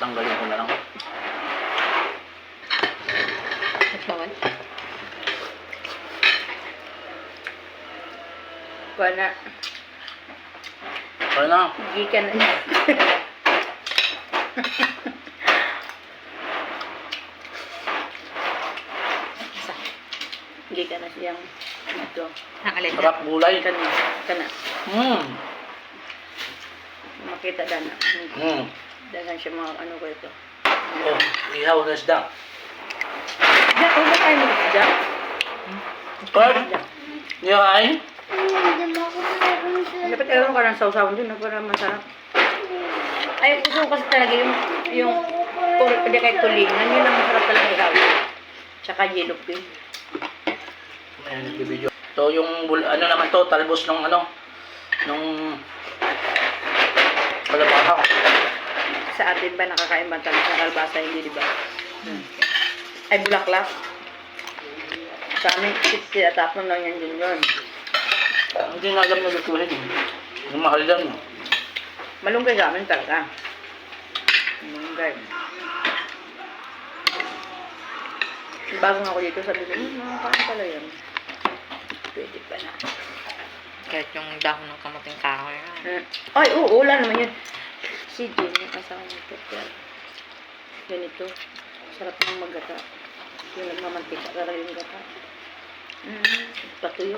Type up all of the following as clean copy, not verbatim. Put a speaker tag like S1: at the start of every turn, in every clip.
S1: Tatanggalin ko na lang.
S2: Bawal.
S3: Wala.
S1: Kaya na.
S3: Gikan na niya.
S2: Isa.
S3: Gikan na siyang ito.
S2: Nakalin na.
S1: Sarap gulay.
S3: Kana. Kana. Makita dana. Dagan siya mga ano ko ito.
S1: Oh, ihaw na isda.
S3: Diyan, kung ba tayo mag-isda?
S1: Kurt, niya kain?
S3: Dapat alam ka ng sausawan dun, para masarap. Ay, gusto ko kasi talaga yung hindi kahit tulingan, yun ang masarap talaga ikaw. Tsaka yellow pin.
S1: Ayan, nagbibideo. Ito yung, ano naman to, talbos ng ano, nung kalabasa.
S3: Sa atin ba nakakain ba tayo sa kalbasa, hindi di ba? Ay, bulaklak. Sa amin, tapon lang yan yun.
S1: Hindi nga alam na lutuhin. Yung mahal lang.
S3: Malunggay sa amin talaga. Malunggay. Bago nga ako dito, sabi ko, nakakain pala yan. Pwede pa na.
S2: Kahit yung dahon ng kamating kahoy.
S3: Ay, oo, wala naman yun. Si Jim, yung asawa nito. Ganito. Sarap ng maggata. Yung nagmamantika talaga yung gata. Patuyo.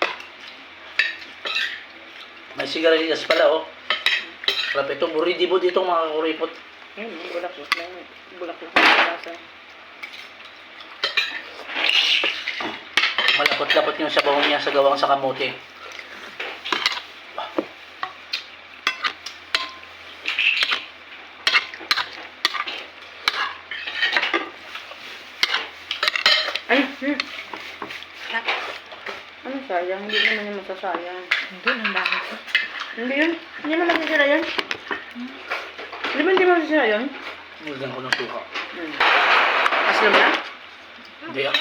S1: May sigarilyas pala, oh. Sarap ito. Buridibo dito mga kuripot.
S3: Bulaklak na yun. Bulaklak na kalasa.
S1: Malapot-lapot yung sabaw niya sa gawang sa kamote.
S3: Ano sayang? Hindi naman yung masasayang.
S2: Hindi, ang dami ko.
S3: Hindi yun. Hindi naman masasira yun. Di ba hindi masasira yun?
S1: Nilagyan ko ng suka.
S3: Aslam na?
S1: Hindi ah.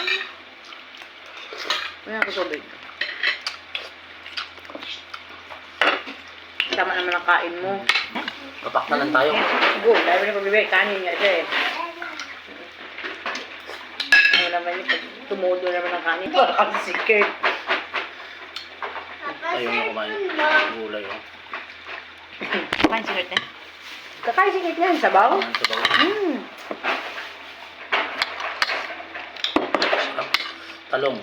S3: Wala ako tubig. Tama naman ang kain mo.
S1: Papak na lang tayo.
S3: Go, dahil mo na pagbibigay. Kanin niya siya eh. Ano naman yung pag tumudo naman ang kanin. Parang si Kurt.
S1: Ayaw na kumain. Gulay, oh.
S2: Kain sigaret na.
S3: Kakain si Kurt yan, sabaw.
S1: Ang sabaw. Sarap. Talong.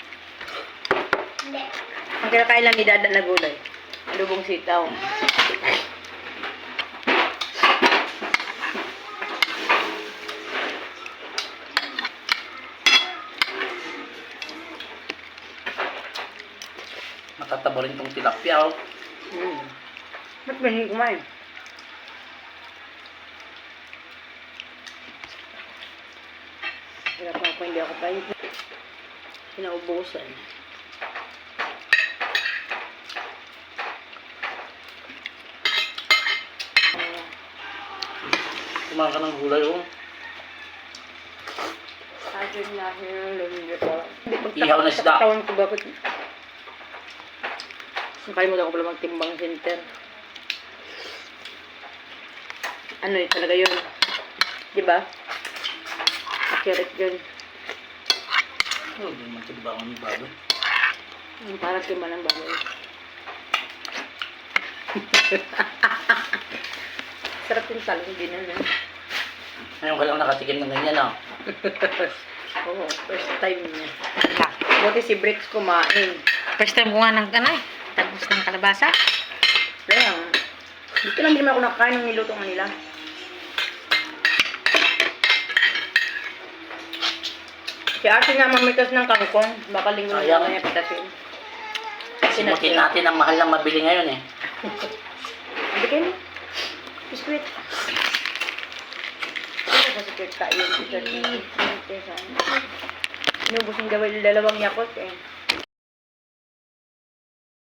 S3: Ang kinakain lang ni Dada na gulay. Lubong sitaw.
S1: Matatabo rin tong tilapia, oh.
S3: Ba't ba hindi kumain? Hirap ako, hindi ako tayo. Pinaubusan.
S1: Kumain ka ng gulay, oh.
S3: Sabi niya, hindi ko.
S1: Ihaw na isda.
S3: Tawan ko bakit. Nakalimutan ko pala magtimbang center. Ano yun talaga yun? Diba? Accurate yun.
S1: Oh, hindi naman timbangan ni baboy.
S3: Parang timba ng baboy. Sarap yung talong din na.
S1: Ngayon ka lang nakatikim ng ganyan, ah.
S3: Oo, first time niya.
S2: Wala.
S3: Buti si Bricks kumain.
S2: First time ko nga ng kanay. Tagos ng kalabasa.
S3: Kaya, dito lang din naman ako nakakain ng niluto nga nila. Si Ate nga mamitas ng kangkong. Baka linggo na
S1: Sayang.
S3: lang niya pitasin.
S1: Simutin natin ang mahal na mabili ngayon, eh.
S3: Hindi kayo. Biskuit. Ano ba si Kurt kain? Inubos yung dalawang yakot eh.